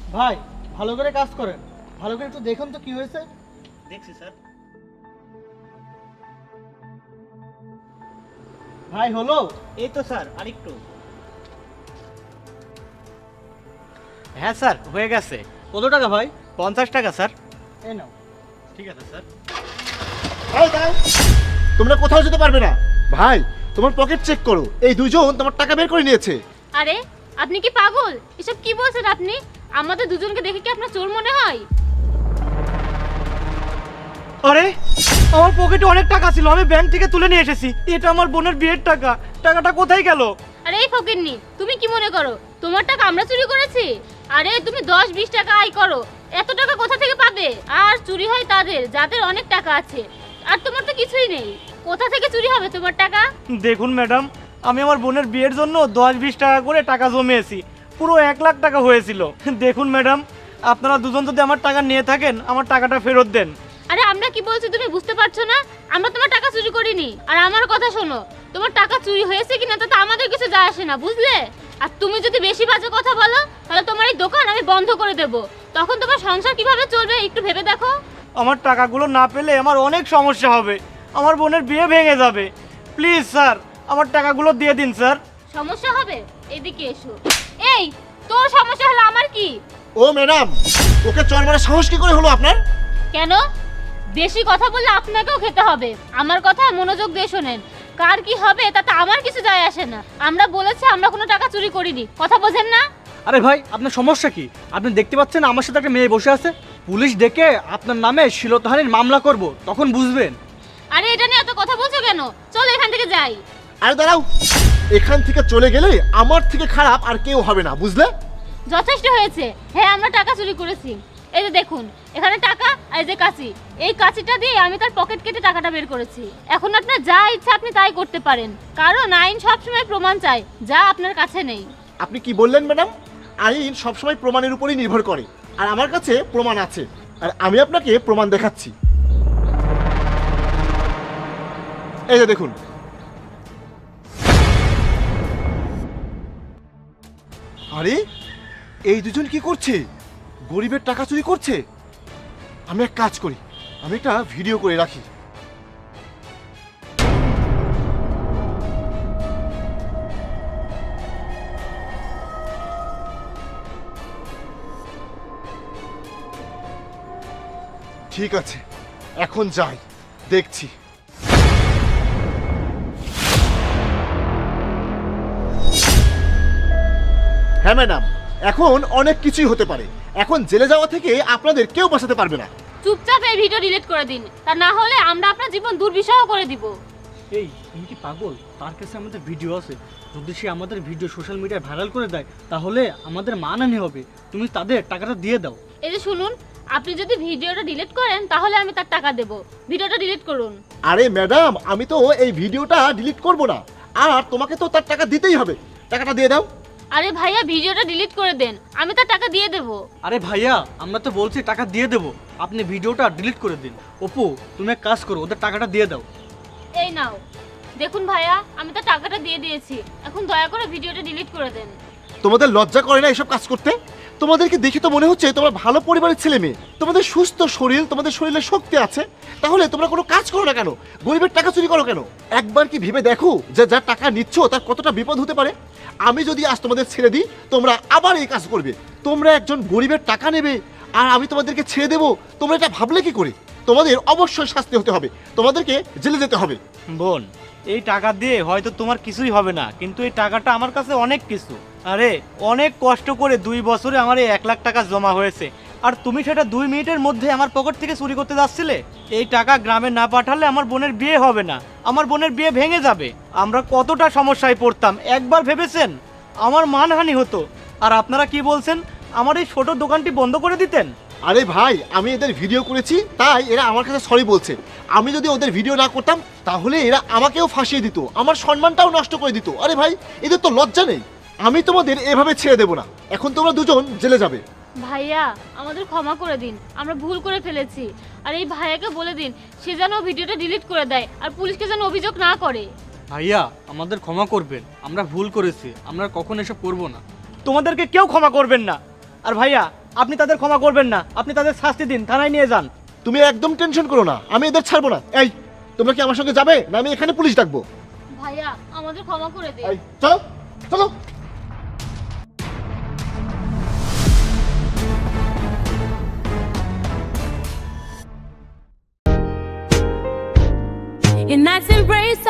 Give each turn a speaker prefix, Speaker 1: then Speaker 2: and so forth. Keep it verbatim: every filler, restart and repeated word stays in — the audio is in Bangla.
Speaker 1: ভাই ভালো করে কাজ করেন, ভালো করে একটু দেখুন তো কি হয়েছে।
Speaker 2: দেখছি স্যার।
Speaker 1: ভাই হলো?
Speaker 2: এই তো স্যার, আরেকটু। হ্যাঁ স্যার, হয়ে গেছে।
Speaker 1: কত টাকা ভাই?
Speaker 2: পঞ্চাশ টাকা স্যার।
Speaker 1: এই নাও।
Speaker 2: ঠিক আছে স্যার।
Speaker 3: এই দাও, তোমরা কোথাও যেতে পারবে না। ভাই তোমার পকেট চেক করো, এই দুজন তোমার টাকা বের করে নিয়েছে।
Speaker 4: আরে আপনি কি পাগল? এসব কি বলছেন আপনি? আমাদের দুজনকে দেখে কি আপনার চোর মনে হয়?
Speaker 2: আরে আমার পকেটে অনেক টাকা ছিল, আমি ব্যাংক থেকে তুলে নিয়ে এসেছি। এটা আমার বোনের বিয়ের টাকা। টাকাটা কোথায় গেল?
Speaker 4: আরে এই ফকিন্নি, তুমি কি মনে করো তোমার টাকা আমরা চুরি করেছি? আরে তুমি দশ বিশ টাকা আয় করো, এত টাকা কোথা থেকে পাবে? আর চুরি হয় তাদের যাদের অনেক টাকা আছে, আর তোমার তো কিছুই নেই। কোথা থেকে চুরি হবে তোমার টাকা?
Speaker 2: দেখুন ম্যাডাম, আমি আমার বোনের বিয়ের জন্য দশ বিশ টাকা করে টাকা জমিয়েছি, পুরো এক লাখ টাকা হয়েছিল। দেখুন ম্যাডাম, আপনারা দুজন যদি আমার টাকা নিয়ে থাকেন, আমার টাকাটা ফেরত দেন।
Speaker 4: আরে আমরা কি বলছি তুমি বুঝতে পারছো না? আমরা তোমার টাকা চুরি করিনি। আর আমার কথা শোনো, তোমার টাকা চুরি হয়েছে কিনা তাতে আমাদের কিছু যায় আসে না, বুঝলে? আর তুমি যদি বেশি বাজে কথা বলো তাহলে তোমার এই দোকান আমি বন্ধ করে দেব। তখন তোমার সংসার কিভাবে চলবে একটু ভেবে দেখো।
Speaker 2: আমার টাকাগুলো না পেলে আমার অনেক সমস্যা হবে, আমার বোনের বিয়ে ভেঙে যাবে। প্লিজ স্যার, আমার টাকাগুলো দিয়ে দিন স্যার।
Speaker 4: সমস্যা হবে? এদিকে এসো। এই তোর সমস্যা হলো আমার কি?
Speaker 3: ও ম্যাডাম, ওকে চর মারা সাহস কি করে হলো আপনার?
Speaker 4: কেন? বেশি কথা বললে আপনাকেও খেতে হবে। আমার কথা মনোযোগ দিয়ে শোনেন। কার কি হবে তাতে আমার কিছু যায় আসে না। আমরা বলেছি আমরা কোনো টাকা চুরি করিনি, কথা বোঝেন না?
Speaker 1: আরে ভাই আপনার সমস্যা কি? আপনি দেখতে পাচ্ছেন আমার সাথে একটা মেয়ে বসে আছে, পুলিশ ডেকে আপনার নামে শ্লীলতাহানির মামলা করব, তখন বুঝবেন।
Speaker 4: আরে এটা নিয়ে এত কথা বলছো কেন? চলো এখান থেকে যাই।
Speaker 3: আরে দাঁড়াও, এখান থেকে চলে গেলে আমার থেকে খারাপ আর কেউ হবে না, বুঝলে?
Speaker 4: যথেষ্ট হয়েছে। হ্যাঁ আমরা টাকা চুরি করেছি। এই যে দেখুন, এখানে টাকা আর এই যে কাঁচি। এই কাঁচিটা দিয়ে আমি তার পকেট কেটে টাকাটা বের করেছি। এখন আপনার যা ইচ্ছা আপনি তাই করতে পারেন, কারণ আইন সবসময় প্রমাণ চায় যা আপনার কাছে নেই।
Speaker 3: আপনি কি বললেন ম্যাডাম? আইন সবসময় প্রমাণের উপরই নির্ভর করে, আর আমার কাছে প্রমাণ আছে, আর আমি আপনাকে প্রমাণ দেখাচ্ছি। এই যে দেখুন। আরে এই দুজন কি করছে? গরিবের টাকা চুরি করছে। আমি এক কাজ করি, আমি একটা ভিডিও করে রাখি। ঠিক আছে, এখন যাই, দেখছি। হ্যাঁ ম্যাডাম, এখন অনেক কিছুই হতে পারে। এখন জেলে যাওয়া থেকে আপনাদের কেউ বাঁচাতে পারবে না।
Speaker 4: চুপচাপ এই ভিডিও ডিলিট করে দিন, তা না হলে আমরা আপনার জীবন দুর্বিষহ করে দিব।
Speaker 1: এই তুমি কি পাগল? তার কাছে আমাদের ভিডিও আছে, যদি সে আমাদের ভিডিও সোশ্যাল মিডিয়ায় ভাইরাল করে দেয় তাহলে আমাদের মানহানি হবে। তুমি তাদের টাকাটা দিয়ে দাও।
Speaker 4: এই যে শুনুন, আপনি যদি ভিডিওটা ডিলিট করেন তাহলে আমি তার টাকা দেব। ভিডিওটা ডিলিট করুন।
Speaker 3: আরে ম্যাডাম, আমি তো এই ভিডিওটা ডিলিট করব না, আর তোমাকে তো তার টাকা দিতেই হবে। টাকাটা দিয়ে দাও।
Speaker 4: আরে ভাইয়া ভিডিওটা ডিলিট করে দেন, আমি তার টাকা দিয়ে দেব।
Speaker 1: আরে ভাইয়া আমরা তো বলছি টাকা দিয়ে দেবো, আপনি ভিডিওটা ডিলিট করে দিন। অপু তুমি এক কাজ করো, ওদের টাকাটা দিয়ে দাও।
Speaker 4: এই নাও, দেখুন ভাইয়া আমি তার টাকাটা দিয়ে দিয়েছি, এখন দয়া করে ভিডিওটা ডিলিট করে দেন।
Speaker 3: তোমাদের লজ্জা করে না এসব কাজ করতে? তোমাদেরকে দেখে তো মনে হচ্ছে তোমরা ভালো পরিবারের ছেলে মেয়ে, তোমাদের সুস্থ শরীর, তোমাদের শরীরে শক্তি আছে, তাহলে তোমরা কোনো কাজ করো না কেন? গরিবের টাকা চুরি করো কেন? একবার কি ভেবে দেখো যে যার টাকা নিচ্ছ তার কতটা বিপদ হতে পারে? আমি যদি আজ তোমাদের ছেড়ে দিই, তোমরা আবার এই কাজ করবে। তোমরা একজন গরিবের টাকা নেবে আর আমি তোমাদেরকে ছেড়ে দেবো, তোমরা এটা ভাবলে কি করে? তোমাদের অবশ্যই শাস্তি হতে হবে, তোমাদেরকে জেলে যেতে হবে।
Speaker 2: বোন, এই টাকা দিয়ে হয়তো তোমার কিছুই হবে না, কিন্তু এই টাকাটা আমার কাছে অনেক কিছু। আরে অনেক কষ্ট করে দুই বছরে আমার এই এক লাখ টাকা জমা হয়েছে, আর তুমি সেটা দুই মিনিটের মধ্যে আমার পকেট থেকে চুরি করতে যাচ্ছিলে। এই টাকা গ্রামে না পাঠালে আমার বোনের বিয়ে হবে না, আমার বোনের বিয়ে ভেঙে যাবে। আমরা কতটা সমস্যায় পড়তাম একবার ভেবেছেন? আমার মানহানি হতো। আর আপনারা কি বলছেন, আমার এই ছোট দোকানটি বন্ধ করে দিতেন?
Speaker 3: আরে ভাই, আমি এদের ভিডিও করেছি তাই এরা আমার কাছে সরি বলছে। আমি যদি ওদের ভিডিও না করতাম তাহলে এরা আমাকেও ফাঁসিয়ে দিত, আমার সম্মানটাও নষ্ট করে দিত। আরে ভাই, এদের তো লজ্জা নেই। আমি তোমাদের এভাবে ছেড়ে দেব না, এখন তোমরা দুজন জেলে যাবে।
Speaker 4: ভাইয়া আমাদের ক্ষমা করে দিন, আমরা ভুল করে ফেলেছি। আর এই ভাইয়াকে বলে দিন সে যেন ভিডিওটা ডিলিট করে দেয় আর পুলিশকে যেন অভিযোগ না করে।
Speaker 1: ভাইয়া আমাদের ক্ষমা করবেন, আমরা ভুল করেছি, আমরা কখন এসব করবো না।
Speaker 2: তোমাদেরকে কেউ ক্ষমা করবেন না। আর ভাইয়া, আপনি তাদের ক্ষমা করবেন না, আপনি তাদের শাস্তি দিন, থানায় নিয়ে যান।
Speaker 3: তুমি একদম টেনশন করো না, আমি এদের ছাড়বো না। এই তোমরা কি আমার সঙ্গে যাবে না আমি এখানে পুলিশ ডাকবো?
Speaker 4: ভাইয়া আমাদের ক্ষমা করে দে।
Speaker 3: এই চলো চলো।
Speaker 5: Your nights embrace